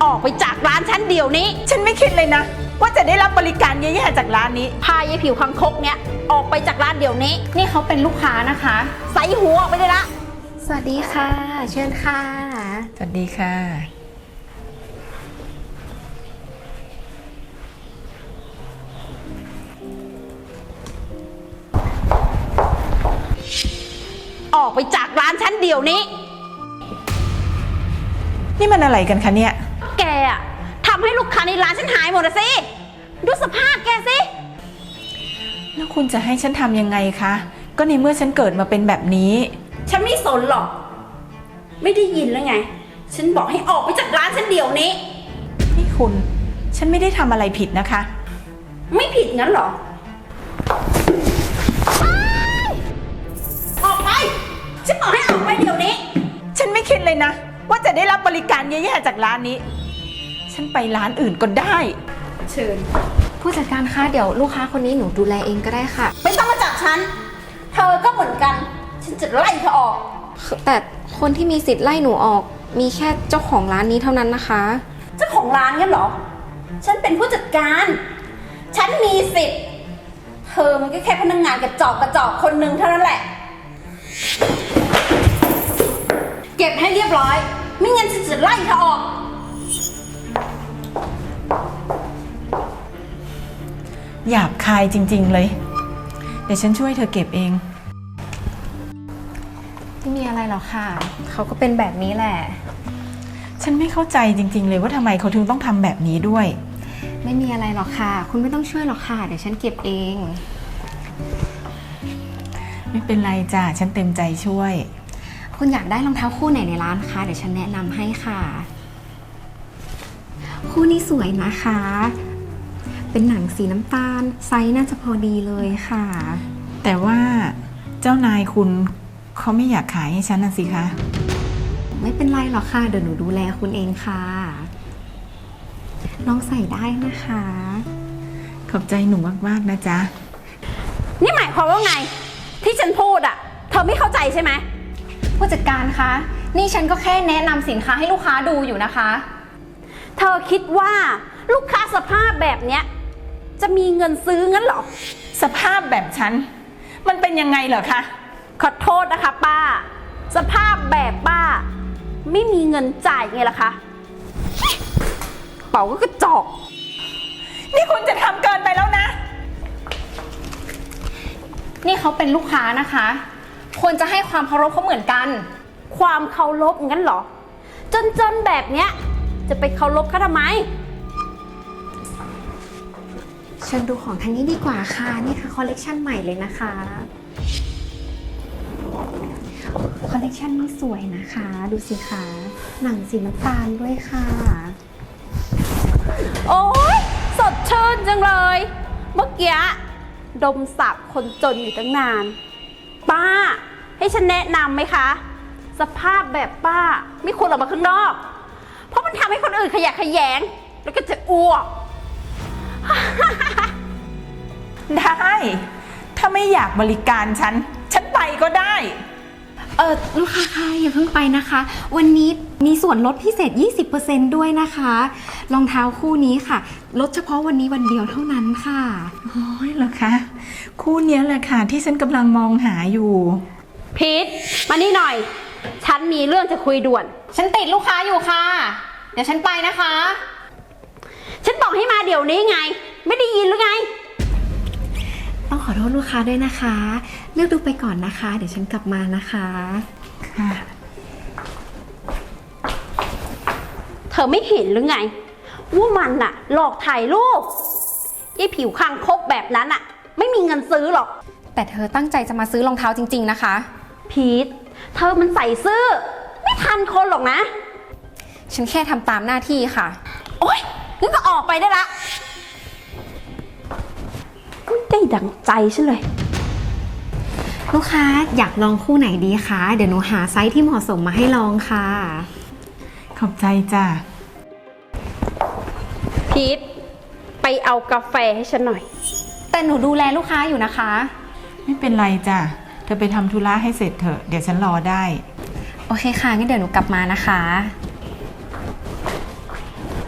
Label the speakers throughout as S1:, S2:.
S1: ออกไปจากร้านฉันเดี๋ยวนี้
S2: ฉันไม่คิดเลยนะว่าจะได้รับบริการแย่ๆจากร้านนี้
S1: พายายผิวคังคกเนี่ยออกไปจากร้านเดี๋ยวนี้
S3: นี่เขาเป็นลูกค้านะคะ
S1: ใส่หัวออกไปเลยละ
S3: สวัสดีค่ะเชิญค่ะ
S2: สวัสดีค่ะ
S1: ออกไปจากร้านฉันเดี๋ยวนี้
S2: นี่มันอะไรกันคะเนี่ย
S1: แกอะทำให้ลูกค้าในร้านฉันหายหมดสิดูสภาพแกสิ
S2: แล้วคุณจะให้ฉันทำยังไงคะก็ในเมื่อฉันเกิดมาเป็นแบบนี้
S1: ฉันไม่สนหรอกไม่ได้ยินแล้วไงฉันบอกให้ออกไปจากร้านฉันเดี๋ยวนี้
S2: นี่คุณฉันไม่ได้ทำอะไรผิดนะคะ
S1: ไม่ผิดงั้นหรอออกไปฉันบอกให้ออกไปเดี๋ยวนี้
S2: ฉันไม่คิดเลยนะว่าจะได้รับบริการแย่ๆจากร้านนี้ฉันไปร้านอื่นก็ได้
S3: เชิญผู้จัดการคะเดี๋ยวลูกค้าคนนี้หนูดูแลเองก็ได้ค่ะ
S1: ไม่ต้องมาจับฉันเธอก็เหมือนกันฉันจะไล่เธอออก
S3: แต่คนที่มีสิทธิ์ไล่หนูออกมีแค่เจ้าของร้านนี้เท่านั้นนะคะ
S1: เจ้าของร้านงั้นเหรอฉันเป็นผู้จัดการฉันมีสิทธิ์เธอมันก็แค่พนักงานกระจอกคนหนึ่งเท่านั้นแหละเก็บให้เรียบร้อยไม่งั้นฉันจะไล่เธอออก
S2: หยาบคายจริงๆเลยเดี๋ยวฉันช่วยเธอเก็บเอง
S3: ไม่มีอะไรหรอกค่ะเขาก็เป็นแบบนี้แหละ
S2: ฉันไม่เข้าใจจริงๆเลยว่าทำไมเขาถึงต้องทำแบบนี้ด้วย
S3: ไม่มีอะไรหรอกค่ะคุณไม่ต้องช่วยหรอกค่ะเดี๋ยวฉันเก็บเอง
S2: ไม่เป็นไรจ้ะฉันเต็มใจช่วย
S3: คุณอยากได้รองเท้าคู่ไหนในร้านคะเดี๋ยวฉันแนะนำให้ค่ะคู่นี้สวยนะคะเป็นหนังสีน้ำตาลไซส์น่าจะพอดีเลยค่ะ
S2: แต่ว่าเจ้านายคุณเขาไม่อยากขายให้ฉันน่ะสิคะ
S3: ไม่เป็นไรหรอกค่ะเดี๋ยวหนูดูแลคุณเองค่ะลองใส่ได้นะคะ
S2: ขอบใจหนูมากๆนะจ๊ะ
S1: นี่หมายความว่าไงที่ฉันพูดอ่ะเธอไม่เข้าใจใช่ไหม
S3: ผู้จัดการคะนี่ฉันก็แค่แนะนำสินค้าให้ลูกค้าดูอยู่นะคะ
S1: เธอคิดว่าลูกค้าสภาพแบบเนี้ยจะมีเงินซื้องั้นหรอ
S2: สภาพแบบฉันมันเป็นยังไงเหรอคะ
S1: ขอโทษนะคะป้าสภาพแบบป้าไม่มีเงินจ่ายไงล่ะคะเป๋าก็กระจอก
S2: นี่คุณจะทำเกินไปแล้วนะ
S3: นี่เขาเป็นลูกค้านะคะควรจะให้ความเคารพเขาเหมือนกัน
S1: ความเคารพงั้นเหรอจนแบบเนี้ยจะไปเคารพเขาทำไม
S3: เชิญดูของทางนี้ดีกว่าค่ะนี่คือคอลเลกชันใหม่เลยนะคะคอลเลกชันนี้สวยนะคะดูสิคะหนังสีน้ำตาลด้วยค่ะ
S1: โอ๊ยสดชื่นจังเลยเมื่อกี้ดมสับคนจนอยู่ตั้งนานป้าให้ฉันแนะนำไหมคะสภาพแบบป้าไม่ควรออกมาข้างนอกเพราะมันทำให้คนอื่นขยะแขยงแล้วก็จะอ้วก
S2: ได้ถ้าไม่อยากบริการฉันไปก็ได้
S3: ลูกค้าค่ะอย่าเพิ่งไปนะคะวันนี้มีส่วนลดพิเศษ 20% ด้วยนะคะรองเท้าคู่นี้ค่ะลดเฉพาะวันนี้วันเดียวเท่านั้นค่ะ
S2: โอ้ยเหรอคะคู่นี้แหละค่ะที่ฉันกำลังมองหาอยู่
S1: พีทมานี่หน่อยฉันมีเรื่องจะคุยด่วน
S3: ฉันติดลูกค้าอยู่ค่ะเดี๋ยวฉันไปนะคะ
S1: ฉันบอกให้มาเดี๋ยวนี้ไงไม่ได้ยินหรือไง
S3: ต้องขอโทษลูกค้าด้วยนะคะเลือกดูไปก่อนนะคะเดี๋ยวฉันกลับมานะคะ
S2: ค่ะ
S1: เธอไม่เห็นหรือไงว่ามันน่ะหลอกถ่ายรูปยี่ผิวคางคกแบบนั้นน่ะไม่มีเงินซื้อหรอก
S3: แต่เธอตั้งใจจะมาซื้อรองเท้าจริงๆนะคะ
S1: พีทเธอมันใส่ซื่อไม่ทันคนหรอกนะ
S3: ฉันแค่ทำตามหน้าที่ค่ะ
S1: โอ๊ยงั้นก็ออกไปได้ละไม่ได้ดังใจฉันเลย
S3: ลูกค้าอยากลองคู่ไหนดีคะเดี๋ยวหนูหาไซส์ที่เหมาะสมมาให้ลองค่ะ
S2: ขอบใจจ้ะ
S1: พีทไปเอากาแฟให้ฉันหน่อย
S3: แต่หนูดูแลลูกค้าอยู่นะคะ
S2: ไม่เป็นไรจ้ะเธอไปทำธุระให้เสร็จเถอะเดี๋ยวฉันรอได้
S3: โอเคค่ะงั้นเดี๋ยวหนูกลับมานะคะ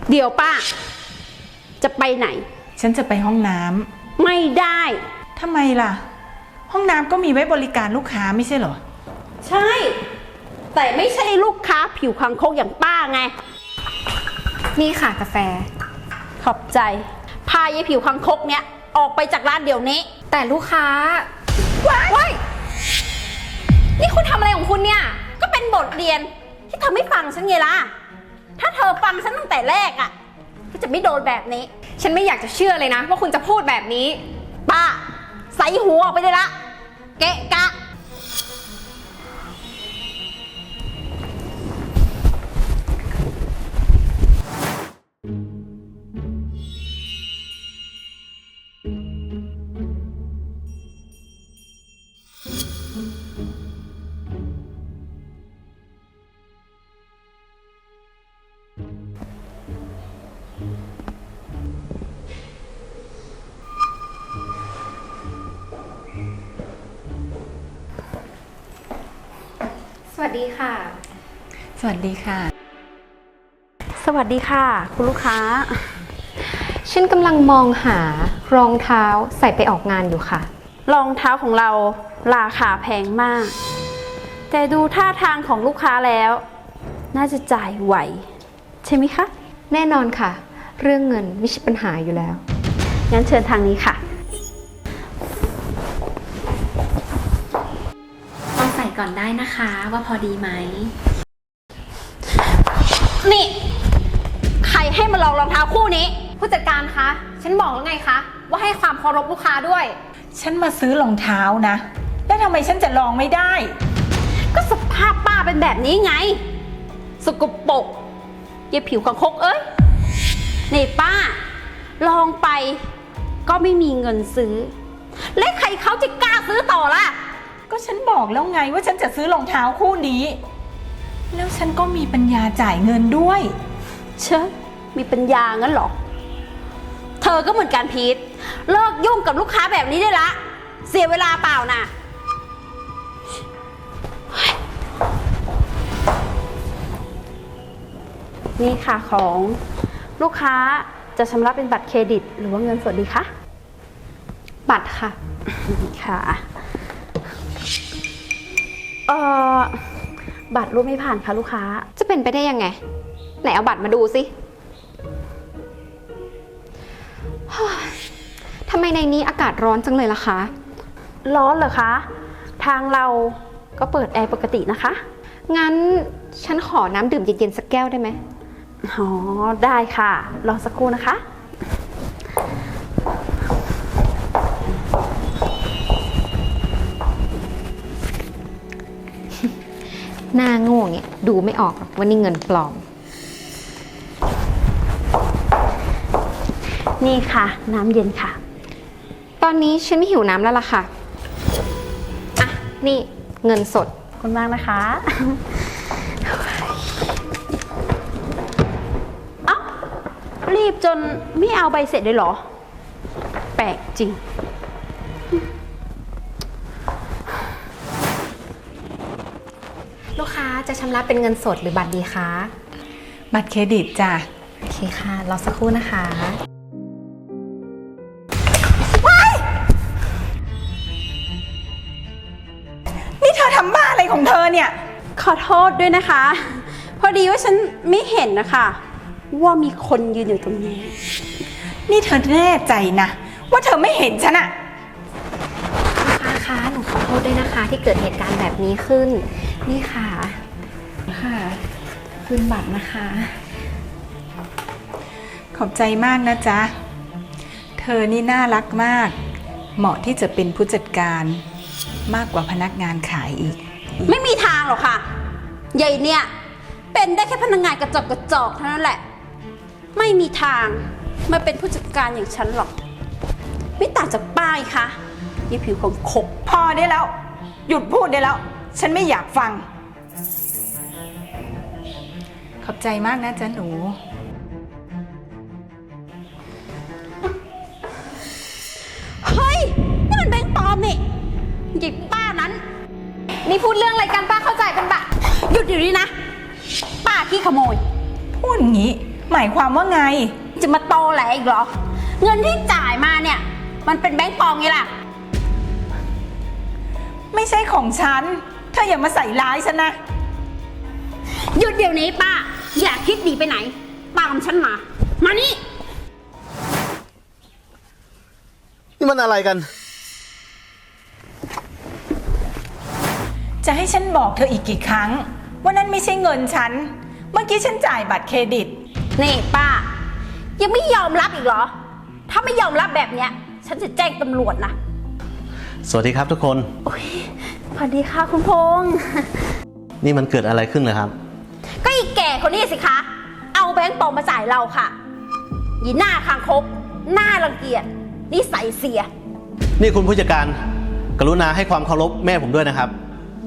S1: เดี๋ยวป้า จะไปไหน
S2: ฉันจะไปห้องน้ำ
S1: ไม่ได้
S2: ทำไมล่ะ ห้องน้ำก็มีไว้บริการลูกค้าไม่ใช่เหรอ
S1: ใช่ แต่ไม่ใช่ลูกค้าผิวคังคกอย่างป้าไง
S3: นี่ค่ะกาแฟ
S1: ขอบใจ พายายผิวคังคกเนี้ยออกไปจากร้านเดี๋ยวนี้
S3: แต่ลูกค้าว้ายนี่คุณทำอะไรของคุณเนี่ย
S1: ก็เป็นบทเรียนที่เธอไม่ฟังฉันไงล่ะ ถ้าเธอฟังฉันตั้งแต่แรกอ่ะก็จะไม่โดนแบบนี้
S3: ฉันไม่อยากจะเชื่อเลยนะว่าคุณจะพูดแบบนี้
S1: ป้าใส่หัวออกไปเลยละ เกะกะ
S3: สวัสดีค่ะ
S2: สวัสดีค่ะ
S1: สวัสดีค่ะ คุณลูกค้า
S3: ฉันกำลังมองหารองเท้าใส่ไปออกงานอยู่ค่ะ
S1: รองเท้าของเราราคาแพงมาก แต่ดูท่าทางของลูกค้าแล้ว น่าจะจ่ายไหว ใช่ไหมคะ
S3: แน่นอนค่ะ เรื่องเงินไม่ใช่ปัญหาอยู่แล้ว
S1: งั้นเชิญทางนี้ค่ะ
S3: ลองใส่ก่อนได้นะคะว่าพอดีไหม
S1: นี่ ใครให้มาลองรองเท้าคู่นี้
S3: ผู้จัดการคะ ฉันบอกแล้วไงคะ ว่าให้ความเคารพลูกค้าด้วย
S2: ฉันมาซื้อรองเท้านะ แล้วทำไมฉันจะลองไม่ได้
S1: ก็สภาพป้าเป็นแบบนี้ไง สกปรกยายผิวคังคกเอ้ย นี่ป้า ลองไปก็ไม่มีเงินซื้อ และใครเขาจะกล้าซื้อต่อล่ะ
S2: ก็ฉันบอกแล้วไงว่าฉันจะซื้อรองเท้าคู่นี้ แล้วฉันก็มีปัญญาจ่ายเงินด้วย
S1: เชอะมีปัญญางั้นเหรอ เธอก็เหมือนกันพีทเลิกยุ่งกับลูกค้าแบบนี้ได้ละ เสียเวลาเปล่าน่ะ นี่ค่ะของลูกค้าจะชำระเป็นบัตรเครดิต หรือว่าเงินสดดีคะ
S3: บัตรค่ะ
S1: ค่ะ เอ่อ บัตรรูปไม่ผ่านค่ะลูกค้า
S3: จะเป็นไปได้ยังไง ไหนเอาบัตรมาดูสิ ทำไมในนี้อากาศร้อนจังเลยล่ะคะ
S1: ร้อนเหรอคะ ทางเราก็เปิดแอร์ปกตินะคะ
S3: งั้นฉันขอน้ำดื่มเย็นๆสักแก้วได้ไหม
S1: อ๋อ ได้ค่ะ รอสักครู่นะคะ
S3: หน้าโง่เนี่ยดูไม่ออกหรอกว่านี่เงินปลอม
S1: นี่ค่ะ น้ำเย็นค่ะ
S3: ตอนนี้ฉันไม่หิวน้ำแล้วล่ะค่ะ อ่ะ นี่เงินสด
S1: ขอบคุณมากนะคะ เอ้า รีบจนไม่เอาใบเสร็จเลยเหรอ แปลกจริง
S3: ลูกค้าจะชำระเป็นเงินสดหรือบัตรดีคะ
S2: บัตรเครดิตจ้ะ
S3: โอเคค่ะ รอสักครู่นะคะ
S2: นี่เธอทำบ้าอะไรของเธอเนี่ย
S1: ขอโทษด้วยนะคะ พอดีว่าฉันไม่เห็นนะคะ ว่ามีคนยืนอยู่ตรงนี้
S2: นี่เธอแน่ใจนะว่าเธอไม่เห็นฉันอะ
S3: ลูกค้าคะหนูขอโทษด้วยนะคะ ที่เกิดเหตุการณ์แบบนี้ขึ้น นี่ค่ะ ค่ะคืนบัตรนะคะ
S2: ขอบใจมากนะจ๊ะ เธอนี่น่ารักมาก เหมาะที่จะเป็นผู้จัดการมากกว่าพนักงานขายอีก
S1: ไม่มีทางหรอกค่ะใหญ่เนี่ย เป็นได้แค่พนักงานกระจอกกระจอกเท่านั้นแหละ ไม่มีทางมาเป็นผู้จัดการอย่างฉันหรอก ไม่ต่างจากป้ายค่ะยี่ผิวของขบ
S2: พอได้แล้ว หยุดพูดได้แล้ว ฉันไม่อยากฟัง ขอบใจมากนะจ๊ะหนู
S1: เฮ้ย นี่มันแบงค์ปลอมนี่หยิบป้านั้น
S3: นี่พูดเรื่องอะไรกันป้าเข้าใจเป็นบัตร
S1: หยุดอยู่นี่นะ ป้าขี้ขโมย
S2: พูดอย่างนี้หมายความว่าไง
S1: จะมาโตแหลอีกเหรอ เงินที่จ่ายมาเนี่ย มันเป็นแบงก์ปลอมไงล่ะ
S2: ไม่ใช่ของฉัน เธออย่ามาใส่ร้ายฉันนะ
S1: หยุดเดี๋ยวนี้ป้า อย่าคิดหนีไปไหน ตามฉันมา มานี่
S4: นี่มันอะไรกัน
S2: จะให้ฉันบอกเธออีกกี่ครั้งว่านั่นไม่ใช่เงินฉัน เมื่อกี้ฉันจ่ายบัตรเครดิต
S1: นี่ป้า ยังไม่ยอมรับอีกเหรอ ถ้าไม่ยอมรับแบบเนี้ย ฉันจะแจ้งตำรวจนะ
S4: สวัสดีครับทุกคน
S1: สวัสดีค่ะคุณพงษ์
S4: นี่มันเกิดอะไรขึ้นเลยครับ
S1: ก็อีแก่คนนี้สิคะ เอาแบงก์ปลอมมาจ่ายเราค่ะยีหน้าคางคกหน้ารังเกียจนิสัยเสีย
S4: นี่คุณผู้จัดการ กรุณาให้ความเคารพแม่ผมด้วยนะครับ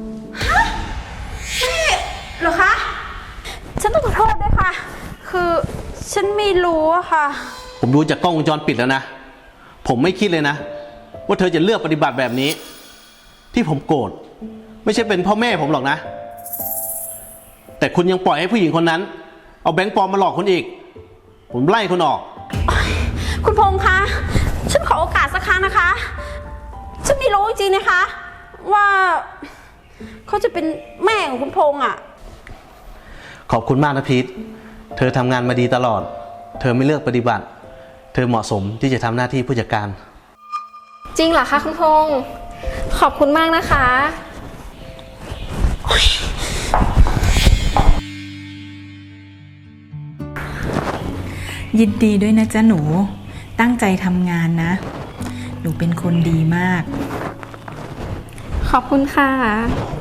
S1: เหรอคะ ฉันต้องขอโทษด้วยค่ะ คือฉันไม่รู้อะค่ะ
S4: ผมดูจากกล้องวงจรปิดแล้วนะ ผมไม่คิดเลยนะ ว่าเธอจะเลือกปฏิบัติแบบนี้ ที่ผมโกรธไม่ใช่เป็นพ่อแม่ผมหรอกนะ แต่คุณยังปล่อยให้ผู้หญิงคนนั้น เอาแบงค์ปลอมมาหลอกคุณอีก ผมไล่คุณออก
S1: คุณพงษ์คะ ฉันขอโอกาสสักครั้งนะคะ ฉันไม่รู้จริงๆนะคะ ว่าเขาจะเป็นแม่ของคุณพงษ์อะ
S4: ขอบคุณมากนะพีทเธอทำงานมาดีตลอด เธอไม่เลือกปฏิบัติ เธอเหมาะสมที่จะทำหน้าที่ผู้จัดการ
S3: จริงเหรอคะคุณพงษ์ขอบคุณมากนะคะ
S2: ยินดีด้วยนะจ๊ะหนู ตั้งใจทำงานนะ หนูเป็นคนดีมาก
S3: ขอบคุณค่ะ